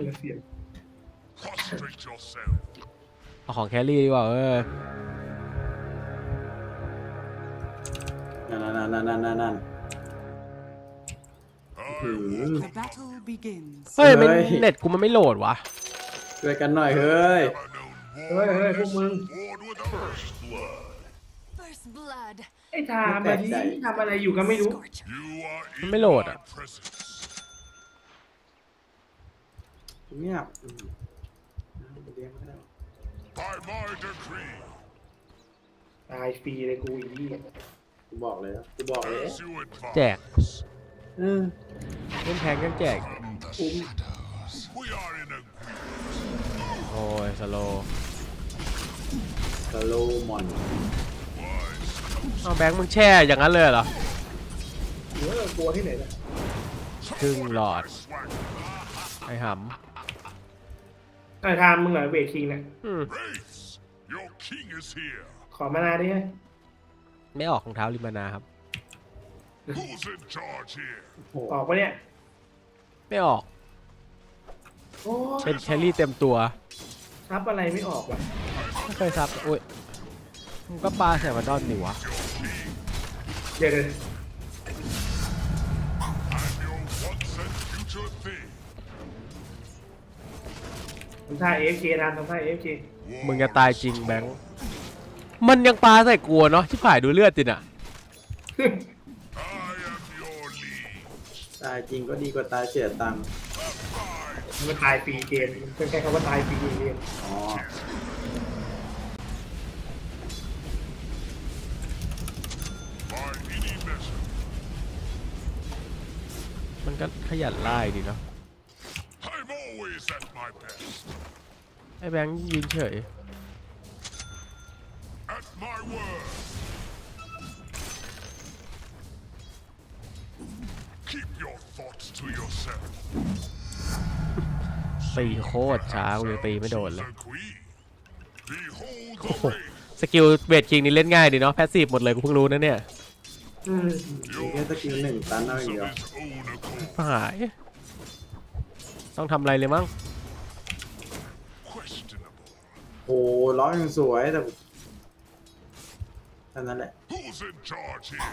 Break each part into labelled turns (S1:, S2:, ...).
S1: เสียง
S2: Prostrate yourself.
S3: เอาของแครี่ดีกว่า
S4: นั่นหืม
S5: The battle begins.
S3: เฮ้ยมัน
S4: เฮ้ย
S3: เน็ตกูมันไม่โหลดวะ
S4: ช่วยกันหน่อยเฮ้ย
S2: Never known
S1: เฮ้ยพวกมึง
S2: war with a first blood.
S5: First blood.
S1: ไอ้ทามแบบนี้ทำอะไรอยู่ก็ไม่รู้
S5: Scorcher.
S2: You are
S3: Nó
S2: in
S3: mới lột
S2: my
S3: à?
S2: presence.
S4: เงียบเลี้ยงไม่ได้
S2: By my decree,
S1: ตายฟรีเลยกูอีก
S4: กูบอกเลยกูบอกเลย
S2: as you advise.
S3: แจก
S4: เออ
S3: เล่นแพงกันแจก
S2: From the shadows. We are in agreement.
S3: โอ้ยสโล
S4: สโลมอน
S3: เอาแบงค์มึงแช่อย่างนั้นเลยเหรอ
S1: กลัวที่ไหนล่ะ
S3: ครึ่งหลอด
S2: Swag.
S3: ไอ้ห
S1: ไอ้ทามมึงเหรอเวทคิงเนี่ย
S3: ำ
S2: Wraiths, your king is here.
S1: ขอมานาดิฮะ
S3: ไม่ออกของเท้าลิมานาครับ
S2: Who's in charge here?
S1: ออกปะเนี่ย
S3: ไม่ออก
S1: โอ้
S3: เป็นแครี่เต็มตัว
S1: ซับอะไรไม่ออกว่ะ
S3: ไม่เคยซับอุ้ยมึงก็ปลาใส่มาดอนดิวะ
S1: เดี๋ยว
S2: I'm your once and future thing.
S1: ทำท่า AFK ทำท่า AFK
S3: มึงจะตายจริงแบงค์มันยังปลาใส่กลัวเนาะที่ผ่ายดูเลือดจินอ่ะ
S2: I am your liege.
S4: ตายจริงก็ดีกว่าตายเสียตังค์
S1: มันตายฟรีเกมเป็นแค่คำว่าตายฟรีเกม
S4: อ๋อ
S2: By any measure,
S3: มันก็ขยันไล่ดีเนาะ
S2: I'm always at my best.
S3: ไอ้แบงค์ยืนเฉย
S2: At my word. Keep your thoughts to yourself.
S3: ตีโคตรช้ากูยังตีไม่โดนเลย
S2: The queen. Behold
S3: โอ้
S2: the
S3: โห
S2: race.
S3: สกิลเบดคิงนี่เล่นง่ายดีเนาะแพสซีฟหมดเลยกูเพิ่งรู้นะเนี่ย
S4: มีแค่สกิลหนึ่งตันเอาอย่าง
S2: Of
S4: เดียว
S2: his own accord.
S3: หายต้องทำอะไรเลยมั้ง
S2: Questionable.
S4: โอ้ร้องยังสวยแต่เท่านั้นแหละ
S2: Who's in charge here?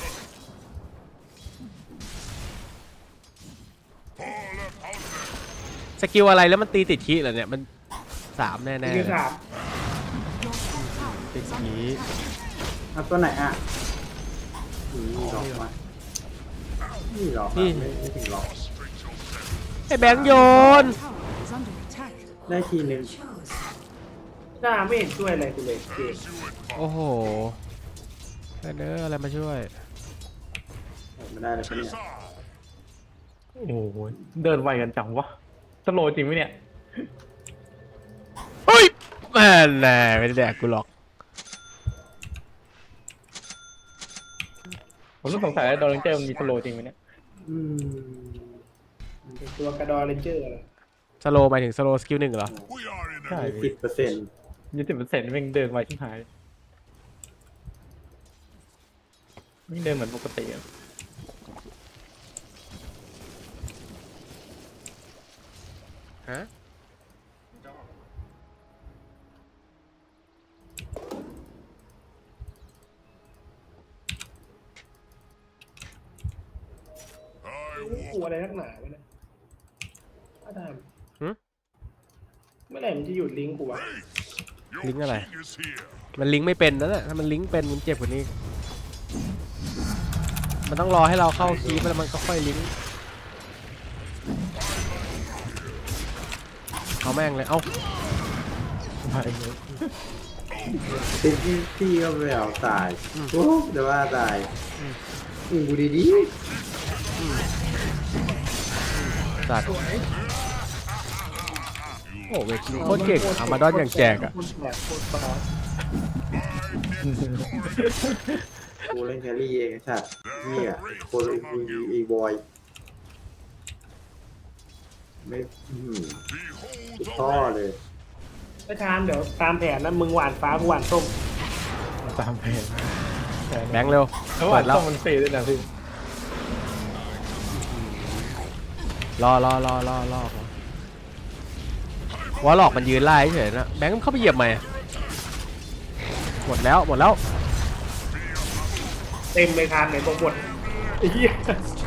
S2: All upon them.
S3: สกิลอะไรแล้วมันตีติดคีเหรอเนี่ยมัน3แน่
S1: คือ
S3: ๆ
S1: สาม
S3: ติดคี
S4: เอาตัวไหนอ่ะนี่หลอกมานี่หลอกมาไม่ถึงหลอก
S2: Prostrate yourself.
S3: ไอ้แบงค์โยน
S5: Tower is under attack.
S4: ได้ทีหนึ่ง
S1: หน้าไม่เห็นช่วยอะไรกูเลยเกม
S2: As you advise.
S3: โอ้โหเพื่อนเอ้ยอะไรมาช่วย
S4: ไม่ได้เลยปะเนี่ย
S2: Tis I.
S6: โอ้โหเดินไวกันจังวะสโลว์จริงไหมเนี่ย
S3: เฮ้ยแม่แน่ไม่ได้แดกกูหรอก
S6: ผมต้องสงสัยว่าโดนเลนเจอร์มันมีสโลว์จริงไหมเนี่ย
S4: อืม
S1: เป็นตัวกระดอเรนเจอร์อะไร
S3: สโลหมายถึงสโลสกิล1เหรอ
S2: We are in
S6: ใช่
S2: a
S4: 10%
S6: 20%แม่งเดินไวชิบหายไม่เดินเหมือนปกติอะ
S3: ฮะ
S2: I
S1: กลัว
S2: walk
S1: อะไรนักหนาวะเนี่ยอาดาม
S3: หึ
S1: เมื่อไหร่มันจะหยุดลิงก์กูวะ
S2: Your
S3: Lính ở đây.
S2: king is here.
S3: มันลิงก์ไม่เป็นนั่นแหละถ้ามันลิงก์เป็นมันเจ็บกว่านี้ มันต้องรอให้เราเข้าคีย์แล้วมันก็ค่อยลิงก์เอาแม่งเลย เอ้า
S4: ติดที่ก็ไปเอาตายโอ้เดี๋ยวว่าตายกูดี
S3: สัตว์โอ้เวทีโคตรเก่งอามาดอนอย่างแจกอะ
S1: โคตรแบกโคตรปลอม
S4: ๆกูเล่นแครี่เองไอ้สัตว์นี่อ่ะโคนอีบอยไม่กู
S2: Behold
S4: ท่อ
S2: the race.
S4: เลย
S1: ไปทามเดี๋ยวตามแผนนะมึงหวานฟ้ากูหวานส้ม
S6: ตามเพจ
S3: แบงค์เร็ว
S6: แล้วว่า
S3: เปิดแล้ว
S6: ต้องมันฟรีด้วยนะพี่
S3: รอว่าหลอกมันยืนไล่เฉยนะแบงค์เข้าไปเหยียบใหม่หมดแล้ว
S1: เต็มเลยทานไหนบอกหมดไอ้เหี้ย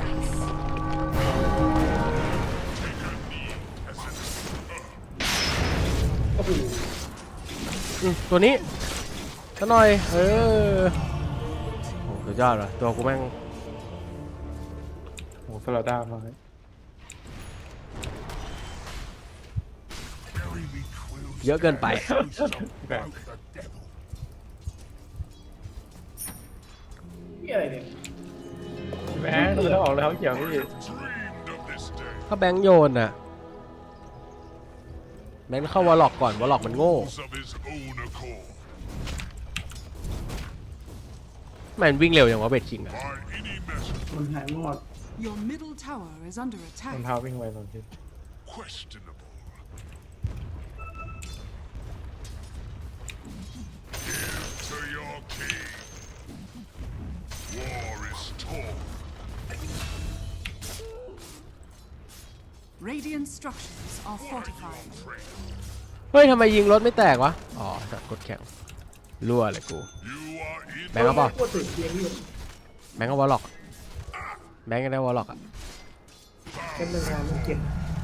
S1: โอ้โห
S3: ตัวนี้ซะหน่อยโอ้สุดยอดเลยตัวกูแม่ง
S6: โอ้โหสลัดด้ามา
S3: เยอะเกินไป
S6: แบบ
S1: นี่อะไรเนี่ย
S6: แม่งแล้วออกแล้วเกี่ยวพี่
S2: dreamed of this day.
S3: ถ้าแบงค์โยนน่ะแบงค์เข้าวอลล็อกก่อนวอลล็อกมันโง่
S2: Of his own accord.
S3: มันวิ่งเร็วอย่างว่าเบดคิงอะ
S2: By any measure
S4: มันหายหมด
S5: Your middle tower is under
S6: รอง
S5: attack.
S6: เท้าวิ่งไวตอนที่
S2: questionable. Give to your king. War is torn.
S5: Radiant structures are fortified.
S3: เฮ้ยทำไมยิงรถไม่แตกวะอ๋อสัตว์กดแข็งรั่วเลยกู
S2: You are in
S3: แบงค์เอาเปล่า
S1: พูดถึงเพียงที่
S3: แบงค์เอาวอลล็อกแบงค์ก็ได้วอลล็อกอะ
S1: เป็นเรื่องงานมันเก็บ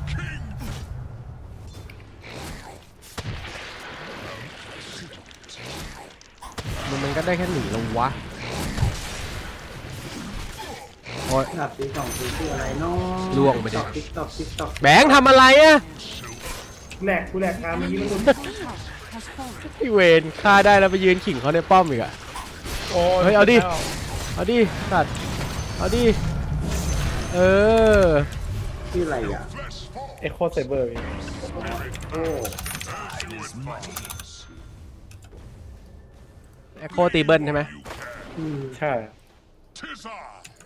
S3: มันก็ได้แค่หนีลงวะโอ้ย
S4: ดับตีสองตีคืออะไรเนาะ
S3: ล่วงไปดิ
S4: ติ๊กตอก
S3: แบงค์ทำอะไรอะ
S1: แหลกกูแหลกทางเมื่อกี้มันหลุด
S5: Middle tower has fallen.
S3: ไอเวนฆ่าได้แล้วไปยืนขิงเขาในป้อมอีกอะ
S6: โอ้
S3: เฮ้ยเอาดิ เอาดิสัตว์เอาดิเออ
S4: ชื่ออะไรอ่ะ
S6: เอ็กโคไซเบอร์พี่
S4: โอ้
S3: แอคโคตีเบิลใช่ไหม
S6: ใช่
S2: tis I.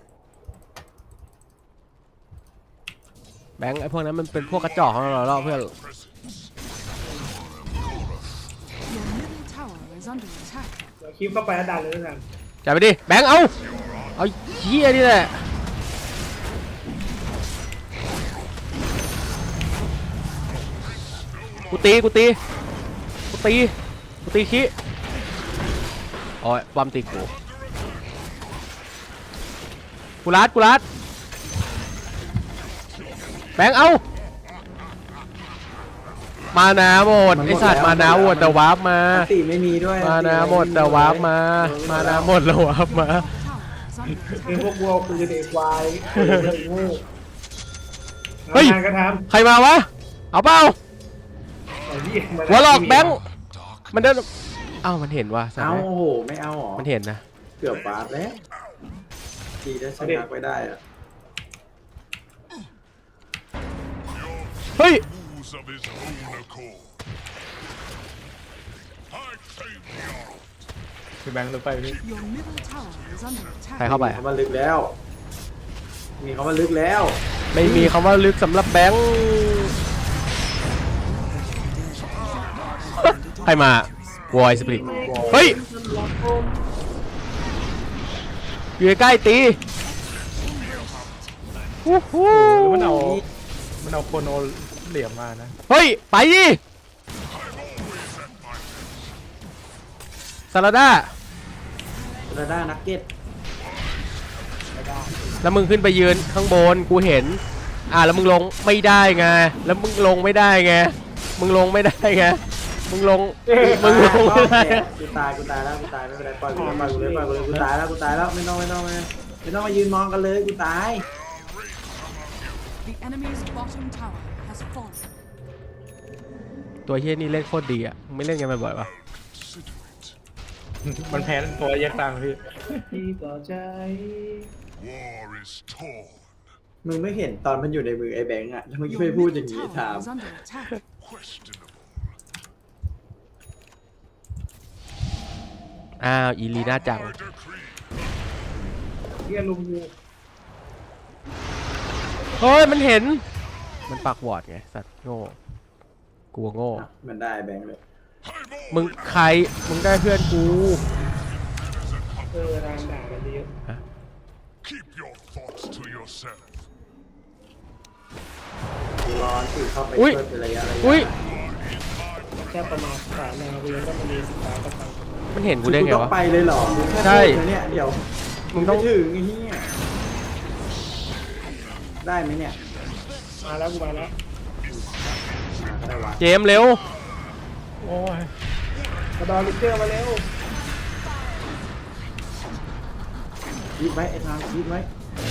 S3: แบงค์ไอพวกนั้นมันเป็นพวกกระจอกของเราเพื่อน
S2: Presence.
S5: Your middle tower is under attack.
S1: เดี๋ยวคลิปเข้าไปแล้วดันเลยนะ
S3: จับไปดิแบงค์เอาเหี้ยนี่แหละกูตีขี้โอ้ยบอมตีกูรัดแบงค์เอามานาหมดไอสัตว์มานาหมดแต่วาร์ปมา
S4: อันติไม่มีด้วย
S3: มานาหมดแต่วาร์ปมานาหมดแล้ววาร์ปมา
S5: Tower is under
S1: เป็น
S5: attack.
S1: พวกวัวปืนเด็กควายเป็นโง่
S3: เฮ้ย
S1: งานก็ท
S3: ใครมาวะเอาเปล่า
S1: ำไอ้ที่มาว
S3: อลล็อกแบงค์มันเดินเอ้ามันเห็นว่ะสัต
S4: เอา
S3: ว์
S4: โอ้โหไม่เอาหรอ
S3: มันเห็นนะ
S4: เกือบบาดแล้วดีได้ชนะไปได้อะ
S3: เฮ้ย
S2: Moves of his own accord. I claim the honor.
S6: คือแบงค์ลงไปพี่
S5: Your middle tower is under
S3: ใคร
S5: attack.
S3: เข้าไป
S4: เขามาลึกแล้ว มีเขามาลึกแล้ว
S3: ไม่มีคำว่าลึกสำหรับแบงค์ใครมาวอยสปริตเฮ้ยอยู่ใกล้ๆตีฮู้ฮู้
S6: หรือมันเอาโคโนเหลี่ยมมานะ
S3: เฮ้ยไปดิซาลาด้า
S4: ระด้านักเก็ต
S3: แล้วมึงขึ้นไปยืนข้างบนกูเห็นแล้วมึงลงไม่ได้ไงแล้วมึงลงไม่ได้ไงมึงลงไม่ได้ไงมึงลงไม่ได้
S4: กูตายแล้วไม่เป็นไรปล่อยกูเลยกูตายแล้วไม่ต้องมายืนมองกันเลยกูตาย
S5: The enemy's bottom tower has fallen.
S3: ตัวเฮียนี่เล่นโคตรดีอ่ะมึงไม่เล่นกันบ่อยๆวะ
S2: Consider it.
S6: มันแพ้ตัวแยกต่างพี่
S1: ที่ต่อใจ
S2: War is torn.
S4: มึงไม่เห็นตอนมันอยู่ในมือไอ้แบงค์อ่ะทำไมไม่พูดอย่างนี้
S5: tower
S4: ถาม
S5: is under attack.
S2: Questionable.
S3: อ้าวอีลีน่าจัง
S2: I decree.
S1: เรียนลุงยู
S3: เฮ้ยมันเห็นมันปักวอร์ดไงสัตว์โง่กลัวโง่
S4: มันได้แบงค์เลย
S2: I'm
S3: มึงใครมึงได้เพื่อนกู
S1: นางด่ากันเยอะ
S2: Keep your thoughts to yourself.
S4: กูร้อนสิเข้าไป
S3: อุ๊ย
S4: ช่วยเป็นระยะ
S3: อุ้ย
S1: แค่ประมาณสายแนวเรียนก็มันมีศึกษากับทาง
S3: มันเห็นกูได้ไง
S4: ต้อง
S3: วะ
S4: ไปเลยเหรอมึงแค่
S3: ใช่
S4: พูดนะเนี่ยเดี๋ยว
S3: มึงต้อง
S4: ไม่ถึงไอ้เหี้ยได้ไหมเนี่ย
S1: มาแล้วกูมาแล้ว
S4: ได้วะ
S3: เจมส์เร็ว
S6: โอ้ย
S1: กระดอนลิเกอร์มาเร็ว
S4: คิดไว้ไอ้ทางคิดไว้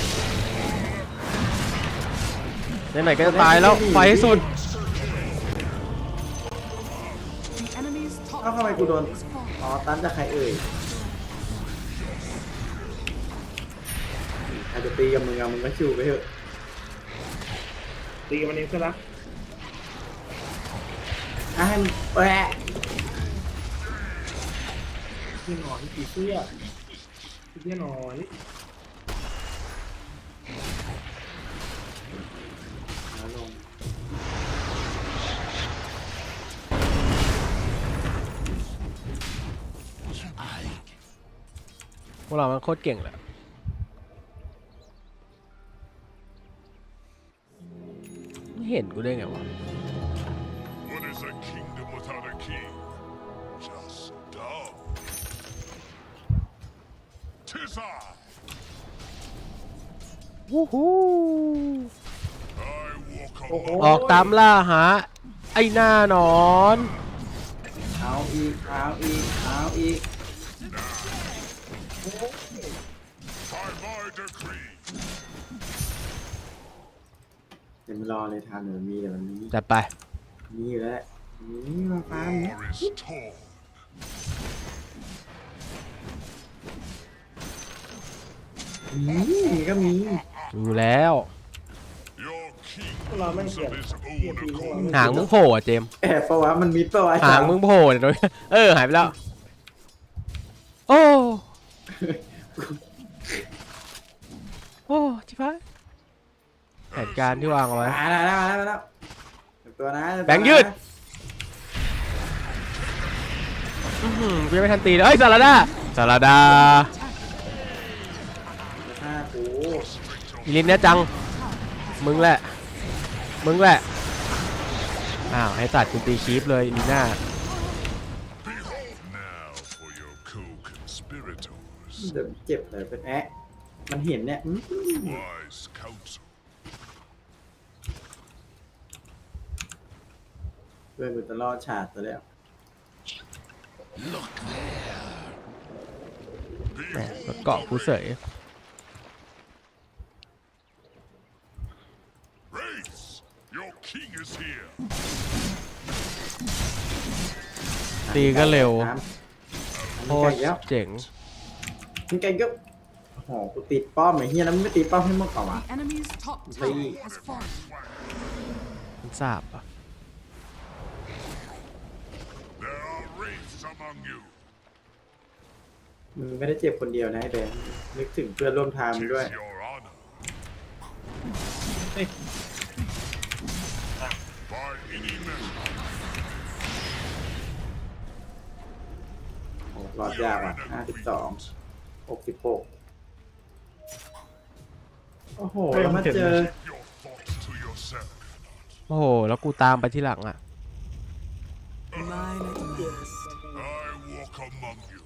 S3: ไหนๆก็จะตายแล้วไปให้สุด
S5: The enemy's top
S4: เอ้าทำไมกูโดน
S5: is falling.
S4: อ๋อตันจากใครเอ่ยใครจะตีกับมึงอะมึงก็ชิวไปเถอะ
S1: ตีกันมันเองซะละ
S4: อ่ะให้มันแปะ
S1: ที่หนอนผีเสื้อที่หนอน
S4: เอาลง
S3: พวกเรามันโคตรเก่งแหละไม่เห็นกูได้ไงวะ
S2: What is a kingdom without a king? Just dumb. 'Tis I.
S3: วู้ฮู้
S2: I walk
S1: โอ้โห
S2: among
S3: ออกตามล่าหาไอ้หน้าหนอน
S4: เอาอีกเอาอีกเอาอีก
S2: by my decree.
S4: เดี๋ยวมันรอเลยทานเดี๋ยวมันมีเดี๋ยวมันมี
S3: จัดไป
S4: มีอยู่แล้วแหละนี่มาฟาร์มเนี่ย
S2: War is torn.
S4: มีก็มี
S3: อยู่แล้ว
S2: Your king
S1: พวกเราไม่ง
S2: moves
S1: เกี่ยว
S2: of his
S1: เกี่ยว
S2: own
S1: ทีพวกเรา
S2: accord.
S3: หางมึงโผล่อะเจมส์
S4: แอบปะวะมันมิดปะวะ
S3: หางมึงโผล่เนี่ยโดยหายไปแล้ว โอ้โอ้ชิบหายแผนการที่วางเอาไว้
S4: มาแล้วตัวนะ
S3: แบงค์ยืด กูยังไม่ทันตีเลยเอ้ยสารดา
S4: ฆ่ากู
S3: อีลินเนี่ยจัง มึงแหละ อ้าวให้ตัดกูตีคีฟเลยอีลิน่า
S2: Now for your co-conspirators.
S4: เดี๋ยวเจ็บเลยเป็นแอะมันเห็นเนี่ย
S2: Wise counsel.
S4: เพื่อนกูจะรอดฉาดตัวแล้ว
S3: แหมรถเกาะกูเสย
S2: Race, your king is here.
S3: ตีก็เร็ว โค
S4: โอ้
S3: ต
S4: ย
S3: ร
S4: แล้ว
S3: เจ๋ง
S4: มึงไกลก็โอ้โหกูติดป้อมไอ้เฮียแล้วมึงไม่ตีป้อมให้มึงก่อนวะ
S5: The enemy's top tower has fallen.
S3: มันสาบอ่ะ
S2: There are wraiths among you.
S4: มึงไม่ได้เจ็บคนเดียวนะไอ้แบงค์นึกถึงเพื่อนร่วมทางมึง
S2: 'Tis
S4: ด้วย
S2: your honor. By any measure,
S4: โอ้รอดยากว่ะ52 66โอ้โหแล้วมาเจอ
S2: keep your thoughts to yourself.
S3: โอ้โห แล้วกูตามไปที่หลังอ่ะ
S5: Mine at last.
S2: I walk among you.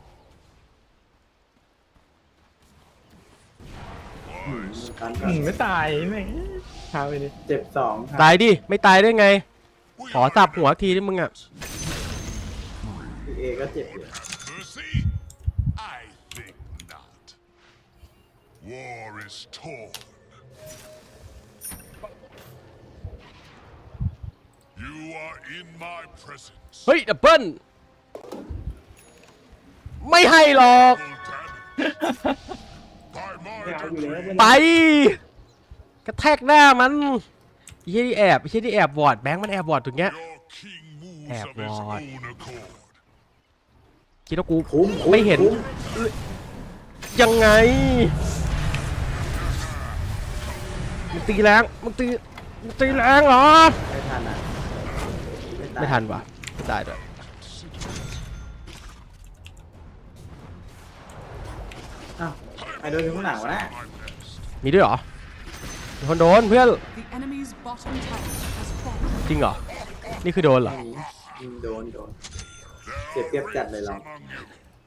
S4: กัน
S6: ไม่ตายแม่งพาไปดิ
S4: เจ็บ2ครับ
S3: ตายดิ ไม่ตายได้ไง ขอสับหัวทีที่มึงอ่ะ
S4: พี่เอก็เจ็บอยู่
S2: Mercy? I think not. War is torn. You are in my presence.
S3: เฮ้ย ดับเบิ้ลไม่ให้หรอก
S2: Double damage. By
S1: ไม่
S2: my
S1: เอาอยู่แล้ว
S2: decree.
S3: ไป กระแทกหน้ามันไอ้เหี้ยที่แอบไอ้เหี้ยที่แอบบอร์ดแบงค์มันแอบบอร์ดตรงเนี้ย
S2: Your king moves
S3: Have
S2: of his
S3: what?
S2: own accord.
S3: คิดว่ากู
S4: คุ้ม
S3: ไม่เห็น
S4: คุ้ม
S3: ยังไง มึงตีแรงเหรอ
S4: ไม่ทันอ่ะตาย
S3: ไม่ทันว่ะไม่ตายด้วย
S4: อ้าวไอ้โดนอยู่ข้างหลังวะนะ
S2: My best.
S3: มีด้วยเหรอ มีคนโดนเพื่อน
S5: The enemy's bottom tower has fallen.
S3: จริงเหรอ นี่คือโดนเหรอ
S2: I
S4: โดนเสียเปรียบจัดเลยเรา
S2: among you.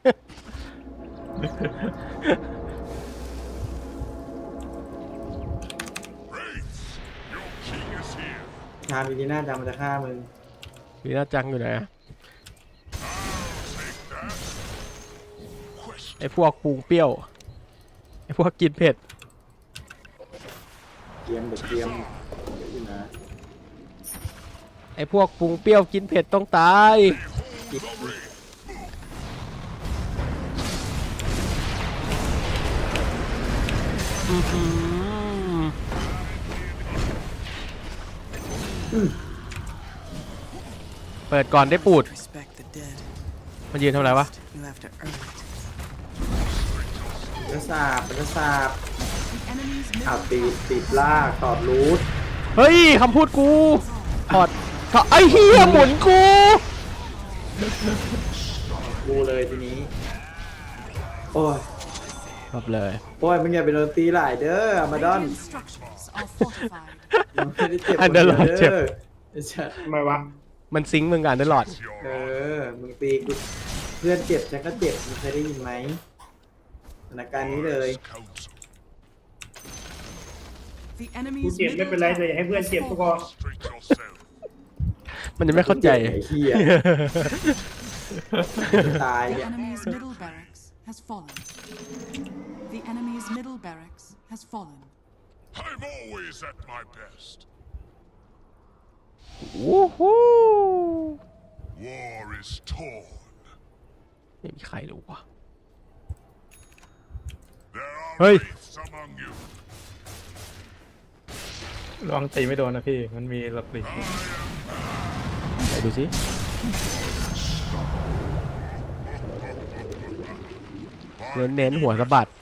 S2: Wraiths, your king is here.
S4: ชามินีน่าจังมันจะฆ่ามึง
S3: วีน่าจังอยู่ไหนอะ
S2: Take that. Question.
S3: ไอพวกปรุงเปรี้ยวไอพวกกินเผ็ด
S4: เกียมเด็กเกียมอยู่นะ
S3: ไอพวกปรุงเปรี้ยวกินเผ็ดต้องตาย อื้อหือเปิดก่อนได้ปูด
S7: Respect the dead.
S3: มันยืนทำอะไรวะ
S7: You have to earn it.
S4: เป็นสาบ
S5: The enemy's
S4: อ้าว
S5: middle
S4: ติดล่าถอดรูท
S3: เฮ้ยคำพูดกูถอดไอ้เหี้ยหมุนกู
S4: กูเลยทีนี้ โอ้ย
S3: ครับเลย
S4: โอ้ยมึงอย่าไปโดนตีหลายเด้ออามาดอน
S5: Radiant structures are fortified.
S4: มึงไม่ได้เจ็บ
S3: อันเดอร์ลอร์ดเจ็บ
S4: ไอ้ชัด
S1: ทำไมวะ
S3: มันซิงค์มึงกันตลอด
S4: เออ มึงตีกูเพื่อนเจ็บฉันก็เจ็บมึงเคยได้ยินไหมสถานการณ์นี้เลย
S2: Council.
S5: The
S1: กู
S5: enemy's
S1: เจ็บไม่เป็นไรเลยอย่าให้เพื่อนเจ็บก็พอ
S2: Straight yourself.
S3: มันจะไม่เข้าใจ
S4: ไอ้เหี้ยตาย
S5: The
S4: เนี่ย
S5: enemy's middle barracks has fallen. The enemy's middle barracks has fallen.
S2: I'm always at my best.
S3: วู้ฮู้
S2: War is torn.
S3: ไม่มีใครรู้ว่ะ
S2: There are
S3: Hey.
S2: wraiths among you.
S6: ลองตีไม่โดนนะพี่ มันมีหลักหลีก
S3: ไหนดูสิเน้นหัวสะบัด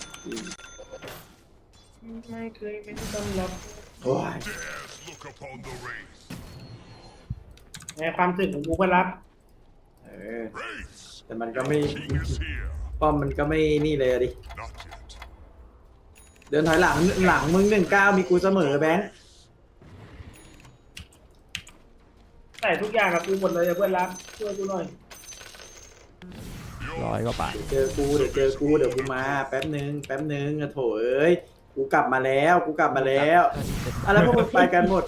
S1: ไม่เคยเป็นตำรับ
S4: โอ้ย
S2: Dares look upon the wraith.
S1: ในความรู้สึกของกูก็รับ
S4: เออ
S2: Wraiths,
S4: แต่มันก็ไม่
S2: king is here.
S4: ป้อมมันก็ไม่นี่เลยอะดิ
S2: Not yet.
S4: เดินถอยหลังมึง19มีกูเสมอแบงค์
S1: แต่ทุกอย่างกับกูหมดเลยอะเพื่อนรักช่วยกูหน่อย
S3: ร้อยก็ไป
S4: เดี๋ยวเจอกูเดี๋ยวกูมาแป๊บนึงอะโถเอ้ยกูกลับมาแล้วอะไรพวกมึงไปกันหมด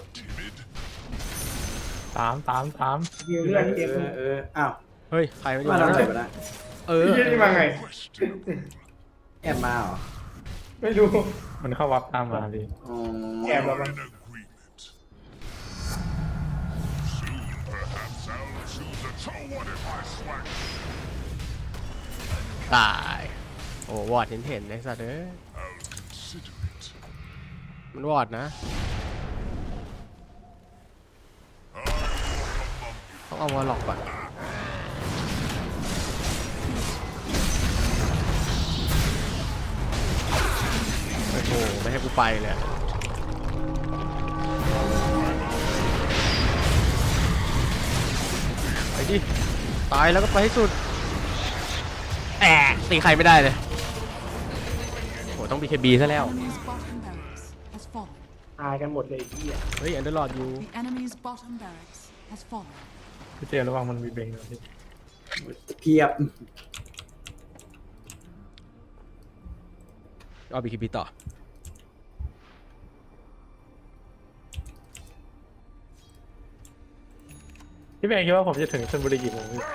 S2: Timid.
S6: ตาม
S1: ยิวเลือดเจ็บ
S4: อ้าว
S3: เฮ้ย ใครไม่อยู่
S4: มาเรา
S3: แล้ว
S4: เจ็บนะ
S3: เออ
S1: ยี่นี่มาไง
S2: Question.
S4: แอบมาเหรอ
S1: ไม่รู้
S6: มันเข้าวับตามมาดิ
S4: อ๋อ
S1: แอบเรา
S2: We're
S1: มา
S2: in agreement. Soon, perhaps I'll choose a. So what if I swag?
S3: ตาย โอ้วอดเห็นไอ้สัตว์เอ้ย
S2: I'll consider it.
S3: มันวอดนะ ต้องเอาวอลล็อกก่อน โอ้โห ไม่ให้กูไปเลยอะไปดิ ตายแล้วก็ไปให้สุดแอะตีใครไม่ได้เลย โห ต้อง BKB ซะแล้ว
S5: Enemy's bottom barracks has fallen.
S1: ตายกันหมดเลยไอ้เหี้ย
S3: เฮ้ย อันเดอร์ลอดอยู่
S5: The enemy's bottom barracks has fallen.
S6: พี่เจระวังมันมีเบงนะพี่
S4: เพียบ
S3: เอา BKB ต่อ
S6: พี่แบงค์คิดว่าผมจะถึงชลบุรีกี่โมงพี่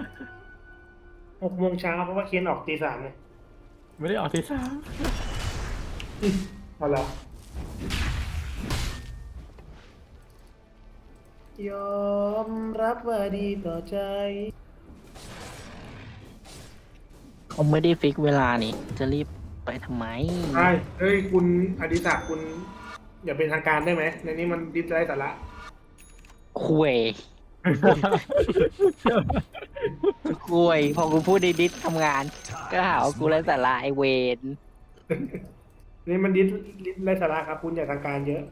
S1: 6 โมงเช้าเพราะว่าเคียนออกตี 3เลย
S6: ไม่ได้ออกที่สาม
S1: เอาละยอมรับว่าดีต่อใจ
S8: เขาไม่ได้ฟิกเวลานี่ จะรีบไปทำไม
S1: ใช่เฮ้ยคุณอดิศักดิ์คุณ อย่าเป็นทางการได้ไหมในนี้มันดิสไลท์สาระ
S8: คุย คุย พอกูพูดดิสทำงาน ก็หาว่ากูไร้สาระไอเวน
S1: นี่มันดิสไลท์สาระครับ คุณอย่าทางการเยอะ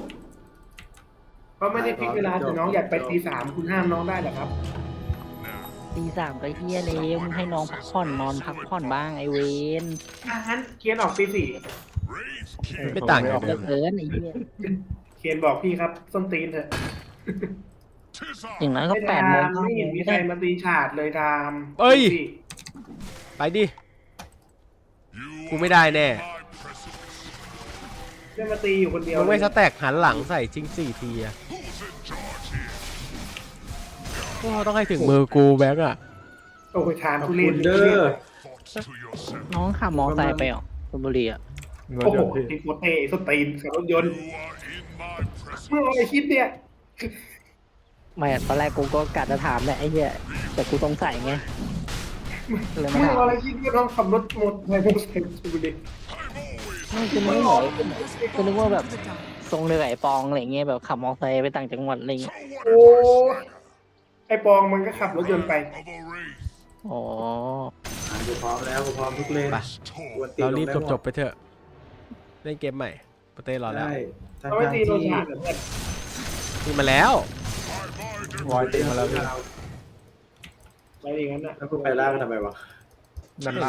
S1: ก็ไม่ได้ฟิกเวลาแต่น้องอยากไปตี 3คุณห้ามน้องได้เหรอครับ
S8: ตีสามก็เฮียเลยมึงให้น้องพักผ่อนนอนพักผ่อนบ้างไอเวน
S1: งั้นเคียนออกตี
S2: Wraith king.
S3: ไม่ต่างกัน
S8: เลิกเกินไอเฮีย
S1: 4เคียนบอกพี่ครับส้นตีนเถอะ
S2: 'Tis
S8: อย่าง
S2: I.
S8: นั้นก็
S1: ไม่
S8: 8 โมง
S1: ทำไม่เห็นมีใครมาตีฉาดเลยทำ
S3: เอ้ย
S1: ดูสิ
S3: ไปดิ
S2: You
S3: กูไม่ได้แน่
S2: my presence.
S1: ได้มาตีอยู่คนเดียว
S3: มึงไม่
S1: เลย
S3: สแต็กหันหลังใส่จริง4 ทีอะ
S2: Who's in charge here?
S3: โอ้ต้องให้ถึงมือกูแบงค์อะ
S1: โอ้ยทาน
S4: ขอบ
S1: ทุ
S4: คุ
S1: เรียน
S4: ณเด้อ
S2: Thoughts to yourself.
S8: น้องขับมอไซค์ไปเหรอชลบุรีอ่ะ
S6: รถ
S1: โอ้
S6: ย
S1: โห
S6: นต์พี่
S1: ติดโคตรเตะสตีนขับรถยนต์
S2: You are in my presence.
S1: เมื่ออะไรคิดเนี่ย
S8: ไม่ตอนแรกกูก็กะจะถามแหละไอ้เหี้ยแต่กูสงสัยไงเลยไม่
S1: เมื่อ
S8: ถาม
S1: อะไรคิดว่าต้องขับรถหมดในโมเสสดูดิ
S8: ไม่คือนึกว่าคือนึกว่าแบบทรงเรือไอ้ปองอะไรเงี้ยแบบขับมอไซค์ไปต่างจังหวัดอะไรเงี้ย
S1: โอ้ไอปองมันก็ขับรถยนต์ไป
S2: Of a race
S8: อ๋อ
S4: กูพร้อมแล้วกูพร้อมทุกเลน
S3: ไป
S2: tall.
S4: กวนตีน
S3: เรารีบ
S4: ลงได้หมด
S3: จบๆไปเถอะ เล่นเกมใหม่โปเต้รอแล้ว
S4: ใช่ทั้ง
S1: เราไม่ตีโดน
S4: ที่
S1: ฉาดเหรอเพื่อน
S3: นี่มาแล้ว
S6: วอยตีมาแล้วพี่
S1: อะไรอย่างนั้นน่ะ
S4: แล้วกูไปล่างทำไมวะ
S6: นั่นล่าง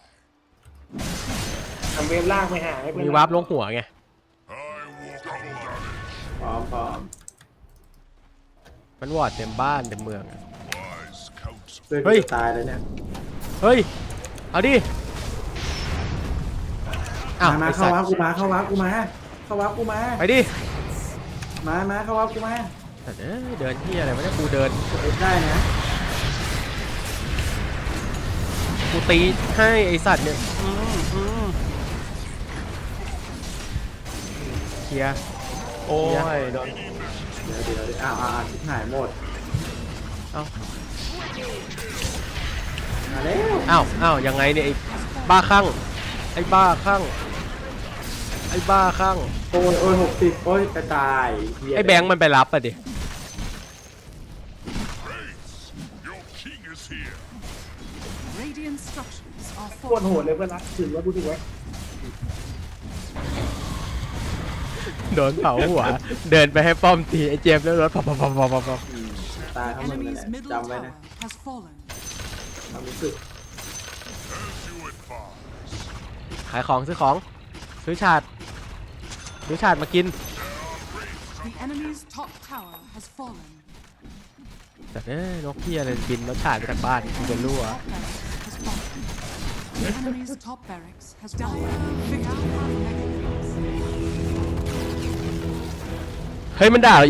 S1: ทำเวฟล่างไปหาให้เพื่อน
S3: มีวาร์ปลงหัวไง
S2: I walk on damage.
S4: พร้อมพร้อม
S3: มันวอร์ดเต็มบ้านเต็มเมืองอะ
S2: Wise counsel.
S4: เพื่อน
S3: เฮ้
S4: กู
S3: ย
S4: จะตายแล้วเนี่ย
S3: เฮ้ย เอาดิ อ้าว
S4: มา
S3: ไอ้
S4: เข้า
S3: สัต
S4: วับ
S3: ว์
S4: กูมาเข้าวับกูมาเข้าวับกูมา
S3: ไปดิ
S4: มาเข้าวับกูมา
S3: สัตว์เอ้ยเดินที่อะไรวะเนี่ยกูเดิน
S4: เอ็ดได้นะ
S3: กูตีให้ไอสัตว์เนี่ยเคลียร์
S6: โอ้ยโดน
S4: เดี๋ยวอ้าวชิบหายหมด
S3: เอ้า
S4: มาแล้ว
S3: อ้าวยังไงเนี่ยไอ้บ้าคลั่งไอ้บ้าคลั่งไอ้บ้าคลั่ง
S4: โอ้ย60โอ้ยไปตายเหี้ย
S3: ไอ้แบงค์มันไปรับอ่ะดิ
S2: Your king is here.
S5: Radiant structures are
S1: โคตรโหดเลยเพื่อนรักถึงว่าพูดถึงไว้
S3: โดนเผาหัว เดินไปให้ป้อมตีไอ้เจมส์แล้วรถปับ
S4: ตายทั้งหมดเลย
S5: enemy's
S4: นะ
S5: middle
S4: จำไว้
S5: tower
S4: นะ
S5: has fallen.
S4: ความรู้สึก
S2: As you advise.
S3: ขายของซื้อของซื้อฉาดมากิน
S5: The enemy's top tower has fallen.
S3: แต่นกเฮียอะไรบินแล้วฉาดไปจากบ้านกูจะรั่ว
S5: Top barracks has fallen. The enemy's top barracks has fallen. Victory.
S3: เฮ้ยมันด่าเรา